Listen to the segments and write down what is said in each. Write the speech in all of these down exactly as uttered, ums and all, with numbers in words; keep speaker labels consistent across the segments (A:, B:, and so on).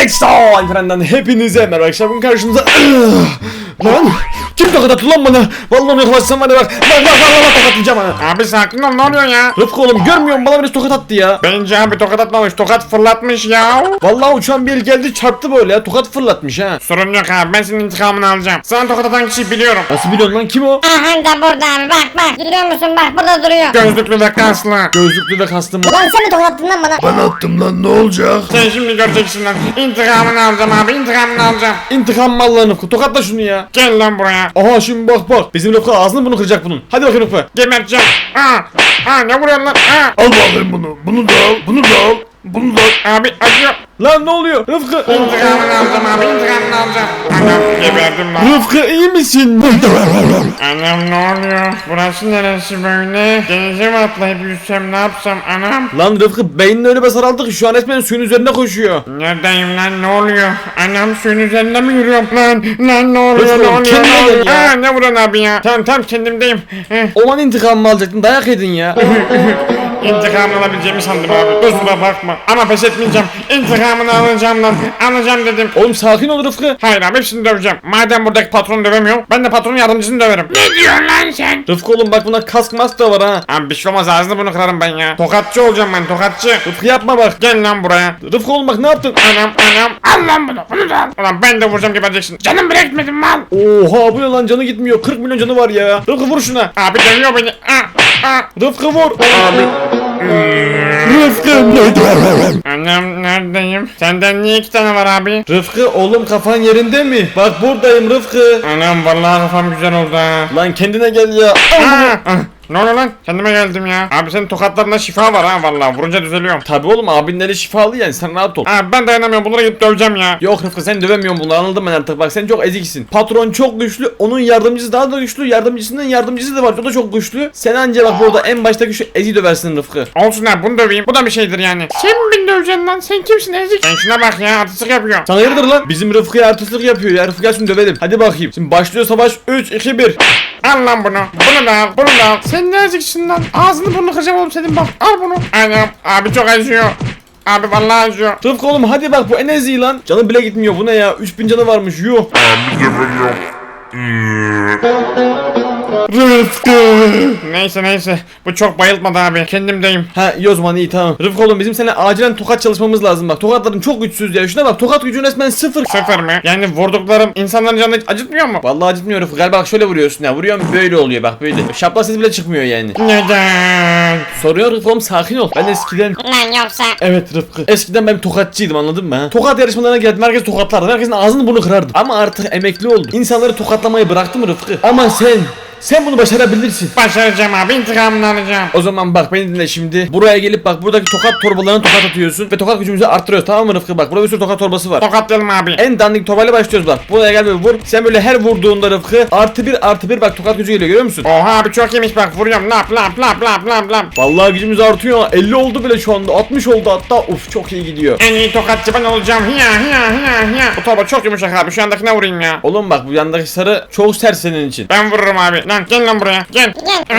A: Exo Alperen'den hepinize merhaba arkadaşlar. Bugün karşımıza lan kim tokat attı lan bana? Vallahi yaklaşsam var ya bak. Bak bak bak tokatlayacağım ha.
B: Abi sakin ol, ne oluyor ya?
A: Rıfkı oğlum görmüyor musun? Bana birisi tokat attı ya.
B: Bence abi tokat atmamış, tokat fırlatmış ya.
A: Vallahi uçan bir el geldi çarptı böyle ya. Tokat fırlatmış ha.
B: Sorun yok abi, ben senin intikamını alacağım. Sana tokat atan kişiyi biliyorum.
A: Nasıl biliyorsun lan, kim o?
C: Aha da burada abi, bak bak. Görüyor musun, bak burada duruyor.
B: Gözlüklü ve kaslı.
A: Gözlüklü ve kastım.
C: Lan sen mi tokattın lan bana?
D: Ben attım lan, ne olacak?
B: Sen şimdi göreceksin lan. İntikamını alacağım abi, intikamını alacağım.
A: İntikam mı Allah'ın Rıfkı? Tokatla şunu ya.
B: Gel lan buraya.
A: Aha şimdi bak bak. Bizim Rıfkı ağzını bunu kıracak bunun. Hadi bakayım Rıfkı.
B: Geberteceğim. Aa, aa ne vuruyorsun lan? Aa.
D: Al bakayım bunu. Bunu da al. Bunu da al. Bunu da al.
B: Abi acıyor.
A: Lan ne oluyor? Rıfkı.
B: İntikamını alacağım abi, intikamını alacağım. Anam geberdim lan.
A: Rıfkı iyi misin?
B: Anam ne oluyor? Burası neresi böyle? Denize mi atlayıp yüzsem, ne yapsam anam?
A: Lan Rıfkı beynini öyle bir saraldı ki şu an resmen suyun üzerine koşuyor.
B: Neredeyim lan, ne oluyor? Anam suyun üzerinde mi yürüyorum lan? Lan ne oluyor,
A: Rıfkı,
B: ne oluyor,
A: kendine
B: ne oluyor?
A: gel ya.
B: Aa, ne vuran abi ya? Tamam tamam kendimdeyim. Eh,
A: Olan intikamımı alacaktın, dayak yedin ya.
B: İntikamını alabileceğimi sandım abi. Kusura bakma. Ama pes etmeyeceğim. İntikamını alacağım lan. Alacağım dedim.
A: Oğlum sakin ol Rıfkı.
B: Hayır abi, hepsini döveceğim. Madem buradaki patronu dövemiyorum, ben de patronun yardımcısını döverim. Ne diyorsun lan sen?
A: Rıfkı oğlum bak buna kask mask da var ha.
B: Abi bir şey olmaz, ağzını bunu kırarım ben ya. Tokatçı olacağım ben, tokatçı.
A: Rıfkı yapma bak.
B: Gel lan buraya.
A: Rıfkı oğlum bak ne yaptın?
B: Anam anam. Al lan bunu. Bunu da al. Ulan ben de vuracağım, gebereceksin. Canım bile gitmedi mal.
A: Oha bu ne lan, canı gitmiyor. kırk milyon canı var ya. Rıfkı vur şuna.
B: Abi dövüyor beni. Aa, aa.
A: Rıfkı vur.
B: Abi.
A: Rıfkı.
B: Anam neredeyim? Senden niye iki tane var abi?
A: Rıfkı oğlum kafan yerinde mi? Bak buradayım Rıfkı.
B: Anam vallahi kafam güzel oldu ha.
A: Lan kendine gel ya.
B: Aa, ah, ne oluyor lan? Kendime geldim ya. Abi senin tokatlarında şifa var ha vallahi. Vurunca düzeliyorum.
A: Tabi oğlum abinleri şifalı yani, sen rahat ol.
B: Abi ben dayanamıyorum. Bunlara gidip döveceğim ya.
A: Yok Rıfkı sen dövemiyorsun bunları, anladım ben artık. Bak sen çok eziksin. Patron çok güçlü, onun yardımcısı daha da güçlü, yardımcısının yardımcısı da var, o da çok güçlü. Sen anca bak burada en baştaki şu ezi döversin Rıfkı.
B: Olsun abi, bunu döveyim. Bu da bir şeydir yani. Sen mi beni döveceksin lan? Sen kimsin ezik? Sen şuna bak ya, artistlik yapıyor.
A: Sana hayırdır lan? Bizim Rıfkı'ya artistlik yapıyor ya. Rıfkı gel şunu dövelim. Hadi bakayım. Şimdi başlıyor savaş. üç, iki, bir.
B: Al lan bunu. Bunu da al. Bunu da al. Sen ne eziksin lan? Ağzını burnunu kıracağım oğlum senin, bak. Al bunu. Anam abi çok acıyor. Abi vallahi acıyor.
A: Rıfkı oğlum hadi bak, bu en ezi lan. Canı bile gitmiyor, bu ne ya? üç bin canı varmış, yuh. Rıfkı.
B: Neyse neyse. Bu çok bayıltmadı abi. Kendimdeyim.
A: Ha iyi o zaman, iyi tamam. Rıfkı oğlum bizim seninle acilen tokat çalışmamız lazım bak. Tokatların çok güçsüz ya. Şuna bak, tokat gücü resmen sıfır.
B: Sıfır mı? Yani vurduklarım insanların canını hiç acıtmıyor mu?
A: Vallahi acıtmıyor Rıfkı. Galiba bak şöyle vuruyorsun ya. Vuruyorum böyle oluyor bak, böyle. Şapla sesi bile çıkmıyor yani.
B: Neden?
A: Soruyor Rıfkı oğlum, sakin ol. Ben eskiden...
C: Lan yoksa.
A: Evet Rıfkı. Eskiden ben bir tokatçıydım, anladın mı ha? Tokat yarışmalarına geldim, herkes tokatlardı. Herkesin ağzını burnunu kırardım. Ama artık emekli oldum. İnsanları tokatlamayı bıraktım Rıfkı. Ama sen... Sen bunu başarabilirsin.
B: Başaracağım abi, intikamını alacağım.
A: O zaman bak beni dinle şimdi. Buraya gelip bak buradaki tokat torbalarına tokat atıyorsun ve tokat gücümüzü arttırıyoruz, tamam mı Rıfkı? Bak burada bir sürü tokat torbası var.
B: Tokatlayalım abi.
A: En dandik torbayla başlıyoruz bak. Buraya gel ve vur. Sen böyle her vurduğunda Rıfkı artı bir artı bir bak tokat gücü geliyor, görüyor musun?
B: Oha abi çok yemiş, bak vuruyorum, lap lap lap lap lap lap.
A: Vallahi gücümüz artıyor. elli oldu bile şu anda. altmış oldu hatta. Uf çok iyi gidiyor.
B: En iyi tokatçı ben olacağım. Hiya hiya hiya hiya. Bu torba çok yumuşak abi, şu andakine vurayım ya.
A: Oğlum bak bu yandaki sarı çok sert senin için.
B: Ben vururum abi. Lan gel lan buraya. Gel.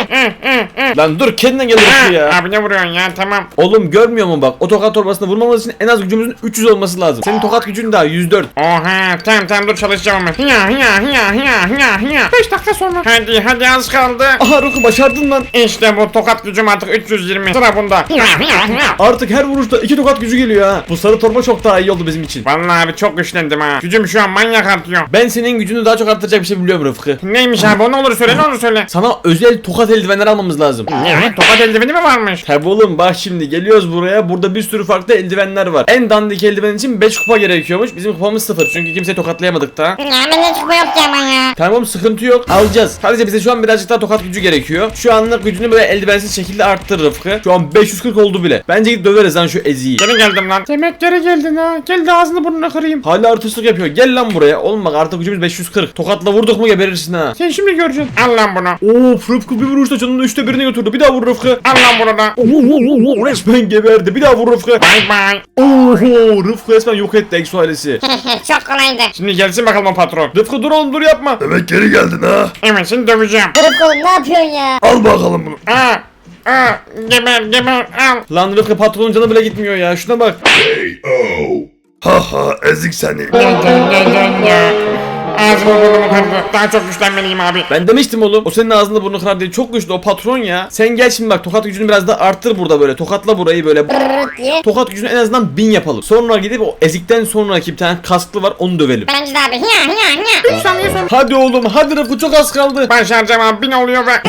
C: Gel.
A: Lan dur kendine gel Rıfkı ya.
B: Abi ne vuruyorsun ya, tamam.
A: Oğlum görmüyor musun bak, o tokat torbasına vurmamız için en az gücümüzün üç yüz olması lazım. Senin tokat gücün daha yüz dört.
B: Oha tamam tamam dur çalışacağım ama. Hiya hiya hiya hiya hiya hiya. beş dakika sonra. Hadi hadi az kaldı.
A: Aha Rıfkı başardın lan.
B: İşte bu tokat gücüm artık üç yüz yirmi. Sıra bunda.
A: Artık her vuruşta iki tokat gücü geliyor ha. Bu sarı torba çok daha iyi oldu bizim için.
B: Vallahi abi çok güçlendim ha. Gücüm şu an manyak artıyor.
A: Ben senin gücünü daha çok arttıracak bir şey biliyorum Rıfkı.
B: Neymiş abi, o ne olur söyle, ne olur söyle.
A: Sana özel tokat eldivenler almamız lazım.
B: Ne? Tokat eldiveni mi varmış?
A: Tabi oğlum bak şimdi geliyoruz buraya. Burada bir sürü farklı eldivenler var. En dandik eldiven için beş kupa gerekiyormuş. Bizim kupamız sıfır çünkü kimseyi tokatlayamadık da.
C: Ya bende çıkma yok ki ama ya.
A: Tamam sıkıntı yok, alacağız. Sadece bize şu an birazcık daha tokat gücü gerekiyor. Şu anlık gücünü böyle eldivensiz şekilde arttır Rıfkı. Şu an beş yüz kırk oldu bile. Bence gidip döveriz lan şu eziyi.
B: Geri geldim lan. Demek geri geldin ha. Gel de ağzını burnunu kırayım.
A: Hala artistlik yapıyor. Gel lan buraya. Oğlum bak artık gücümüz beş yüz kırk. Tokatla vurduk mu geberirsin ha.
B: Sen şimdi göreceksin. Al lan bunu.
A: Of Rıfkı bir vuruşta canının üçte birini götürdü. Bir daha vur Rıfkı.
B: Al lan bunu da.
A: Oo, resmen geberdi. Bir daha vur Rıfkı.
B: Bye bye.
A: Oho Rıfkı resmen yok etti Exo ailesi.
C: Çok kolaydı.
B: Şimdi gelsin bakalım o patron.
A: Rıfkı dur oğlum dur yapma.
D: Demek geri geldin ha.
B: Evet seni döveceğim.
C: Rıfkı oğlum ne yapıyorsun ya?
D: Al bakalım bunu.
B: Aa. Aa. Geber geber al.
A: Lan Rıfkı patronun canı bile gitmiyor ya. Şuna bak.
D: K O Ha ha ezik seni.
B: Gel gel gel gel ya. Ağzımı burnumu kırdı. Daha çok güçlenmeliyim abi.
A: Ben demiştim oğlum. O senin ağzını burnunu kırar diye. Çok güçlü o patron ya. Sen gel şimdi bak, tokat gücünü biraz da arttır burada böyle. Tokatla burayı böyle.
C: Brrrt diye.
A: Tokat gücünü en azından bin yapalım. Sonra gidip o ezikten sonraki bir tane kasklı var, onu dövelim.
C: Bence de abi. Hiya hiya hiya.
B: üç saniye sonra.
A: Hadi oğlum, hadi Rıfkı, çok az kaldı.
B: Başaracağım abi. Bin oluyor ve.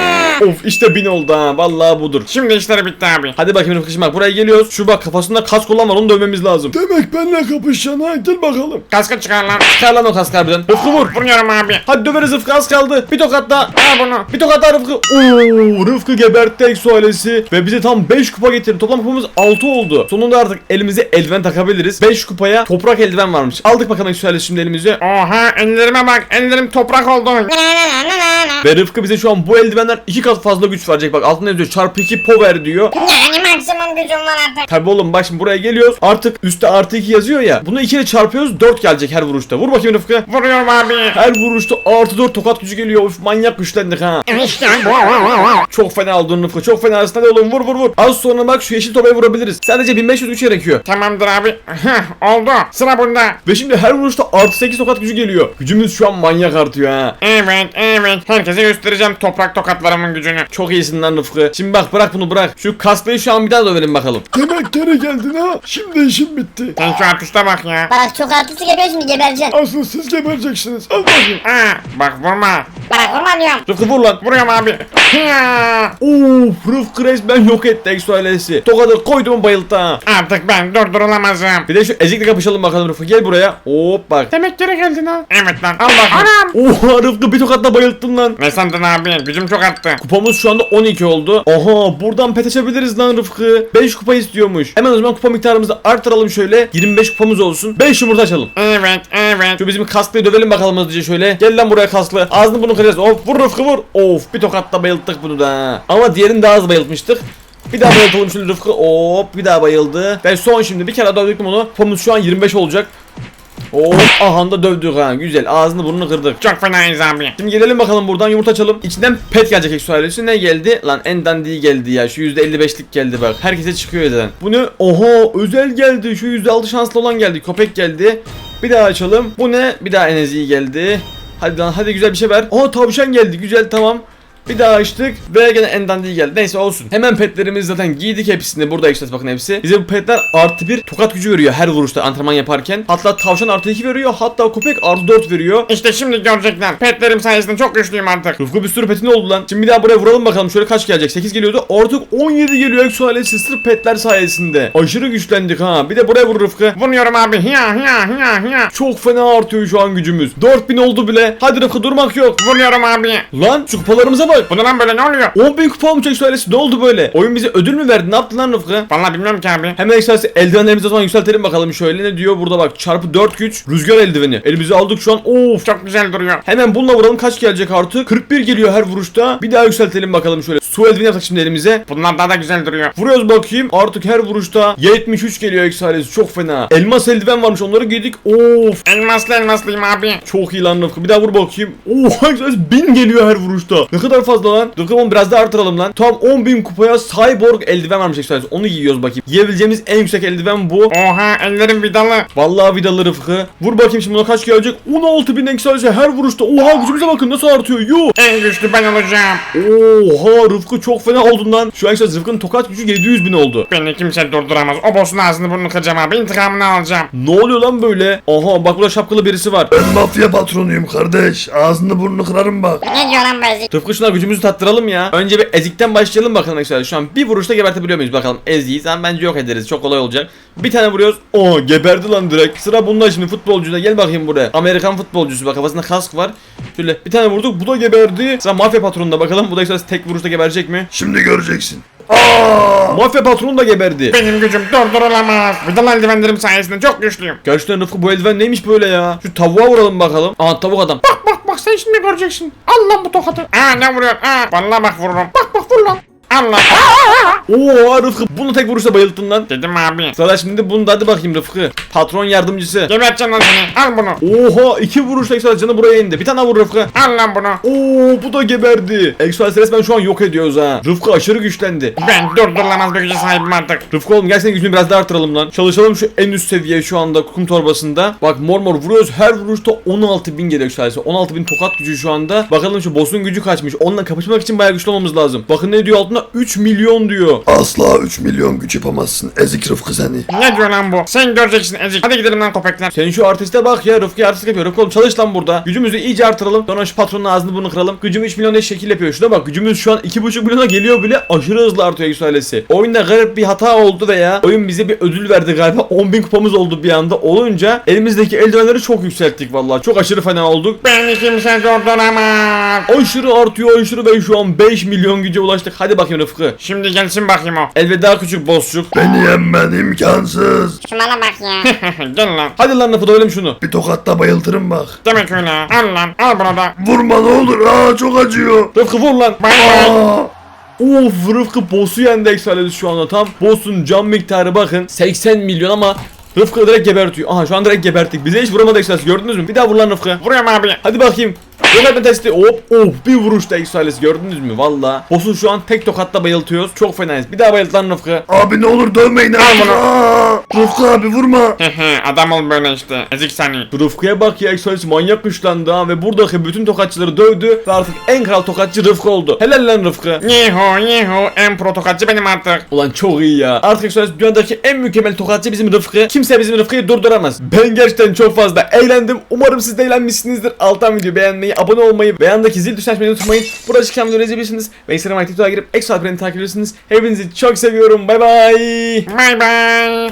A: Of, işte bin oldu ha. Vallahi budur.
B: Şimdi işleri bitti abi.
A: Hadi bakayım Rıfkı, şimdi bak buraya geliyoruz. Şu bak kafasında kask olan var, onu dövmemiz lazım.
D: Demek benimle kapışacaksın ha, gel bakalım.
B: Kaskı çıkar lan.
A: Çıkar lan o kask harbiden. Rıfkı vur.
B: Vuruyorum abi.
A: Hadi döveriz Rıfkı, az kaldı. Bir tokat daha.
B: Al bunu.
A: Bir tokat daha Rıfkı. Oo, Rıfkı gebertti Exo ailesi ve bize tam beş kupa getirdi. Toplam kupamız altı oldu. Sonunda artık elimize eldiven takabiliriz. beş kupaya toprak eldiven varmış. Aldık bakalım Exo ailesi şimdi elimize.
B: Oha ellerime bak. Ellerim toprak oldu.
C: Na na na na na.
A: Ve Rıfkı bize şu an bu eldivenler iki kat fazla güç verecek. Bak altında yazıyor çarpı iki power diyor.
C: Yani maksimum gücüm var artık.
A: Tabi oğlum bak şimdi buraya geliyoruz. Artık üstte artı iki yazıyor ya. Bunu iki ile çarpıyoruz, dört gelecek her vuruşta. Vur bakayım Rıfkı.
B: Vuruyorum abi.
A: Her vuruşta artı dört tokat gücü geliyor. Of, manyak güçlendik ha.
B: İşte bu.
A: Çok fena oldun Rıfkı, çok fena. Hadi oğlum vur vur vur. Az sonra bak şu yeşil topaya vurabiliriz. Sadece bin beş yüz güç gerekiyor.
B: Tamamdır abi. Heh, oldu. Sıra bunda.
A: Ve şimdi her vuruşta artı sekiz tokat gücü geliyor. Gücümüz şu an manyak artıyor ha.
B: Evet evet. Herkese göstereceğim toprak tokatlarımın gücünü.
A: Çok iyisin lan Rıfkı. Şimdi bak bırak bunu bırak. Şu kaslayı şu an bir daha dövelim bakalım.
D: Demek geri geldin ha. Şimdi işim bitti.
B: Sen şu artiste bak ya.
C: Bak çok artistik yapıyor şimdi gebereceksin.
D: Asıl siz gebereceksiniz. Al bakayım.
B: Ha, bak vurma.
C: Bak vurma diyorum.
A: Rıfkı vur lan.
B: Vuruyorum abi. Ya.
A: Of, Rıfkı resmen yok etti Exo ailesi. Tokadı koydum bayılttı ha.
B: Artık ben durdurulamazım.
A: Bir de şu ezikle kapışalım bakalım Rıfkı. Gel buraya. Hop bak.
B: Demek geri geldin ha. Evet lan. Al bakayım. Anam.
A: Oha Rıfkı bir tokatla bayılttın lan.
B: Ne sandın abi? Gücüm çok arttı.
A: Kupamız şu anda on iki oldu. Aha, buradan pet açabiliriz lan Rıfkı. beş kupa istiyormuş. Hemen o zaman kupa miktarımızı artıralım şöyle. yirmi beş kupamız olsun. beş yumurta açalım.
B: Evet evet.
A: Şu bizim kasklıyı dövelim bakalım hızlıca şöyle. Gel lan buraya kasklı. Ağzını bunu kıracağız. Of, vur Rıfkı vur. Of, bir tokatla bayılttık bunu da. Ama diğerini daha az bayıltmıştık. Bir daha bayıltalım şöyle Rıfkı. Hop, bir daha bayıldı. Ve son şimdi bir kere dövdük bunu. Kupamız şu an yirmi beş olacak. Hop, aha da dövdük ha. Güzel, ağzını burnunu kırdık.
B: Çok fenayız abi.
A: Şimdi gelelim bakalım buradan yumurta açalım. İçinden pet gelecek Exo ailesi. Ne geldi? Lan en dandiği geldi ya. Şu yüzde elli beşlik geldi bak. Herkese çıkıyor zaten. Bu ne? Oha, özel geldi. Şu yüzde altı şanslı olan geldi. Köpek geldi. Bir daha açalım. Bu ne? Bir daha en eziği geldi. Hadi lan, hadi güzel bir şey ver. Aa, tavşan geldi. Güzel, tamam. Bir daha açtık ve gene en dandiği geldi. Neyse olsun. Hemen petlerimizi zaten giydik hepsini. Burada işte bakın hepsi. Bize bu petler artı bir tokat gücü veriyor her vuruşta antrenman yaparken. Hatta tavşan artı iki veriyor. Hatta köpek artı dört veriyor.
B: İşte şimdi görecekler. Petlerim sayesinde çok güçlüyüm artık.
A: Rıfkı bir sürü petin oldu lan. Şimdi bir daha buraya vuralım bakalım. Şöyle kaç gelecek? sekiz geliyordu. Artık on yedi geliyor Exo ailesi sırf petler sayesinde. Aşırı güçlendik ha. Bir de buraya vur Rıfkı.
B: Vuruyorum abi. Hiya hiya hiya hiya.
A: Çok fena artıyor şu an gücümüz. dört bin oldu bile. Hadi Rıfkı, durmak yok.
B: Vuruyorum abi.
A: Lan şu kupalarımıza bak.
B: Bu ne lan böyle, ne oluyor?
A: on bin kupa olmuş Exo ailesi. Ne oldu böyle? Oyun bize ödül mü verdi? Ne yaptı lan Rıfkı?
B: Vallahi bilmiyorum ki abi.
A: Hemen Exo ailesi eldivenlerimizi o zaman yükseltelim bakalım şöyle. Ne diyor burada bak. Çarpı dört güç. Rüzgar eldiveni. Elimize aldık şu an. Of.
B: Çok güzel duruyor.
A: Hemen bununla vuralım, kaç gelecek artık? kırk bir geliyor her vuruşta. Bir daha yükseltelim bakalım şöyle. Su eldiveni yaptık şimdi elimize.
B: Bunlar daha da güzel duruyor.
A: Vuruyoruz bakayım. Artık her vuruşta yetmiş üç geliyor Exo ailesi. Çok fena. Elmas eldiven varmış, onları giydik. Of.
B: Elmaslı elmaslıyım abi.
A: Çok iyi lan Rıfkı. Bir daha vur bakayım. Oha, Exo ailesi bin geliyor her vuruşta. Ne kadar fazla lan. Rıfkı onu biraz daha artıralım lan. Tam on bin kupaya cyborg eldiven varmış Exo ailesi. Onu giyiyoruz bakayım. Giyebileceğimiz en yüksek eldiven bu.
B: Oha ellerim vidalı.
A: Vallahi vidalı Rıfkı. Vur bakayım şimdi, buna kaç gelecek? on altı bin Exo ailesi her vuruşta. Oha, gücümüze bakın nasıl artıyor. Yuh.
B: En güçlü ben olacağım.
A: Oha Rıfkı, çok fena oldun lan. Şu an işte Rıfkı'nın tokat gücü yedi yüz bin oldu.
B: Beni kimse durduramaz. O boss'un ağzını burnunu kıracağım abi. İntikamını alacağım.
A: Ne oluyor lan böyle? Aha, bak burada şapkalı birisi var.
D: Ben mafya patronuyum kardeş. Ağzını burnunu kırarım bak.
C: Ne diyor lan bu ezik?
A: Rıfkı, şuna gücümüzü tattıralım ya. Önce bir ezikten başlayalım bakalım arkadaşlar. Şu an bir vuruşta gebertebiliyor muyuz bakalım. Eziği sen bence yok ederiz. Çok kolay olacak. Bir tane vuruyoruz. Oo, geberdi lan direkt. Sıra bunda şimdi, futbolcuda. Gel bakayım buraya. Amerikan futbolcusu, bak kafasında kask var. Şöyle bir tane vurduk. Bu da geberdi. Sıra mafya patronunda bakalım. Bu da işte tek vuruşta geberecek mi?
D: Şimdi göreceksin. Aa!
A: Mafya patronu da geberdi.
B: Benim gücüm durdurulamaz. Vidalı eldivenlerim sayesinde çok güçlüyüm.
A: Gerçekten Rıfkı, bu eldiven neymiş böyle ya? Şu tavuğa vuralım bakalım. Aha, tavuk adam.
B: Bak bak bak sen şimdi göreceksin. Al lan bu tokadı. Aa ne vuruyor? Aa vallahi bak vururum. Bak bak vur lan. Allah.
A: Oo Rıfkı bunu tek vuruşla bayılttın lan.
B: Dedim abi.
A: Sıra şimdi bunu da hadi bakayım Rıfkı. Patron yardımcısı.
B: Geberteceğim lan seni. Al bunu.
A: Oha iki vuruşla Exoales canı buraya indi. Bir tane daha vur Rıfkı.
B: Al lan bunu.
A: Oo bu da geberdi. Exoales resmen şu an yok ediyoruz ha. Rıfkı aşırı güçlendi.
B: Ben durdurulamaz bir güce sahibim artık.
A: Rıfkı oğlum gel senin gücünü biraz daha artıralım lan. Çalışalım şu en üst seviye şu anda kum torbasında. Bak mor mor vuruyoruz. Her vuruşta on altı bin geliyor Exoales'e. on altı bin tokat gücü şu anda. Bakalım şu boss'un gücü kaçmış. Onunla kapışmak için bayağı güçlü olmamız lazım. Bakın ne diyor altında? üç milyon diyor.
D: Asla üç milyon güç yapamazsın. Ezik Rıfkı seni.
B: Ne diyor lan bu? Sen göreceksin ezik. Hadi gidelim lan köpekler.
A: Sen şu artiste bak ya, Rıfkı artist yapıyor. Rıfkı oğlum çalış lan burada. Gücümüzü iyice artıralım. Sonra şu patronun ağzını burnunu kıralım. Gücümü üç milyon diye şekil yapıyor. Şuna bak, gücümüz şu an iki buçuk milyona geliyor bile, aşırı hızlı artıyor Exoales'i. Oyunda garip bir hata oldu veya oyun bize bir ödül verdi galiba. on bin kupamız oldu bir anda. Olunca elimizdeki eldivenleri çok yükselttik vallahi. Çok aşırı fena olduk.
B: Beni kimse durduramaz.
A: Aşırı artıyor aşırı ve şu an beş milyon güce ulaştık. Hadi bakayım Rıfkı.
B: Şimdi gelsin bakayım o.
A: Elveda küçük bossçuk.
D: Beni yenmen imkansız.
C: Şuna bak ya.
B: Gel lan.
A: Hadi lan Rıfkı dövelim şunu.
D: Bir tokatla bayıltırım bak.
B: Demek öyle. Al lan. Al bunu da.
D: Vurma ne olur. Aa çok acıyor.
A: Rıfkı vur lan.
B: Bay bay.
D: Aa.
A: Of Rıfkı boss'u yendi Exoales şu anda tam. Boss'un can miktarı bakın seksen milyon ama Rıfkı direkt gebertiyor. Aha şu an direkt geberttik. Bize hiç vuramadı Exoales, gördünüz mü? Bir daha vur lan Rıfkı.
B: Vuruyorum abi.
A: Hadi bakayım. Gebertme testi. Hop of bir vuruşta Exoales, gördünüz mü? Valla. Boss'u şu an tek tokatla bayıltıyoruz. Çok fenayız. Bir daha bayılt lan Rıfkı.
D: Abi ne olur dövmeyin.
B: Al bunu.
D: Aa. Rıfkı abi vurma.
B: Adam ol böyle işte. Ezik seni.
A: Rıfkı'ya bak ya, Exoales manyak güçlendi ha ve buradaki bütün tokatçıları dövdü ve artık en kral tokatçı Rıfkı oldu. Helal lan Rıfkı.
B: Yeho yeho. En pro tokatçı benim artık.
A: Ulan çok iyi ya. Artık Exoales dünyadaki en mükemmel tokatçı bizim Rıfkı. Kimse bizim Rıfkı'yı durduramaz. Ben gerçekten çok fazla eğlendim. Umarım siz de eğlenmişsinizdir. Alttan video beğenmeyi, abone olmayı ve yandaki zil tuşuna açmayı unutmayın. Burada çıkan videoları izleyebilirsiniz. Ve Instagram, TikTok'a girip Exoales'i takip ediyorsunuz. Hepinizi çok seviyorum. Bay bay.
B: Bay bay.